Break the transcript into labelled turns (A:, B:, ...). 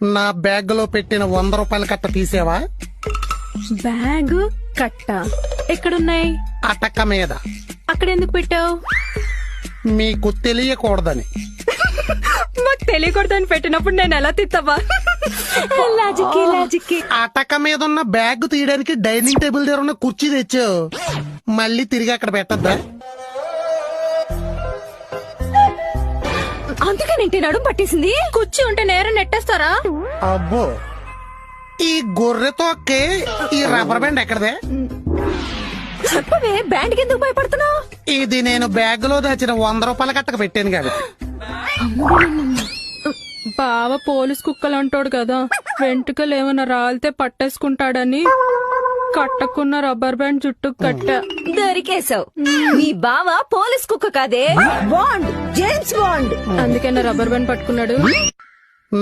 A: నా బ్యాగ్ లో పెట్టిన 100 రూపాయల కట్ట తీసేవా?
B: బ్యాగ్ కట్ట ఎక్కడున్నాయి?
A: అటక మీద.
B: అక్కడ ఎందుకు పెట్టావు?
A: మీకు తెలియకూడదని.
B: మాకు తెలియకూడదని పెట్టినప్పుడు నేను ఎలా తిత్తవా? లాజిక్.
A: అటక మీద ఉన్న బ్యాగ్ తీయడానికి డైనింగ్ టేబుల్ దగ్గర ఉన్న కుర్చీ తెచ్చావు, మళ్ళీ తిరిగి అక్కడ పెట్టద్దా?
B: అందుకే నేను నడుము పట్టేసింది. కుర్చీ ఉంటే నేరం నెట్టేస్తారా?
A: అబ్బో, ఈ గొర్రెతో ఈ రబ్బర్ బ్యాండ్ ఎక్కడదే?
B: చెప్పవే, బ్యాండ్ ఎందుకు భయపడుతున్నావు?
A: ఇది నేను బ్యాగ్ లో దాచిన 100 రూపాయల కట్టకు పెట్టాను కాబట్టి.
B: బావ పోలీస్ కుక్కలు అంటాడు కదా, వెంట్రుకలు ఏమైనా రాలితే పట్టేసుకుంటాడని కట్టకున్న రబ్బర్ బ్యాండ్ చుట్టూ కట్ట.
C: దొరికేశావు. నీ బావ పోలీస్ కుక్క కాదే, బాండ్, జేమ్స్ బాండ్.
B: అందుకే నా రబ్బర్ బ్యాండ్ పట్టుకున్నాడు.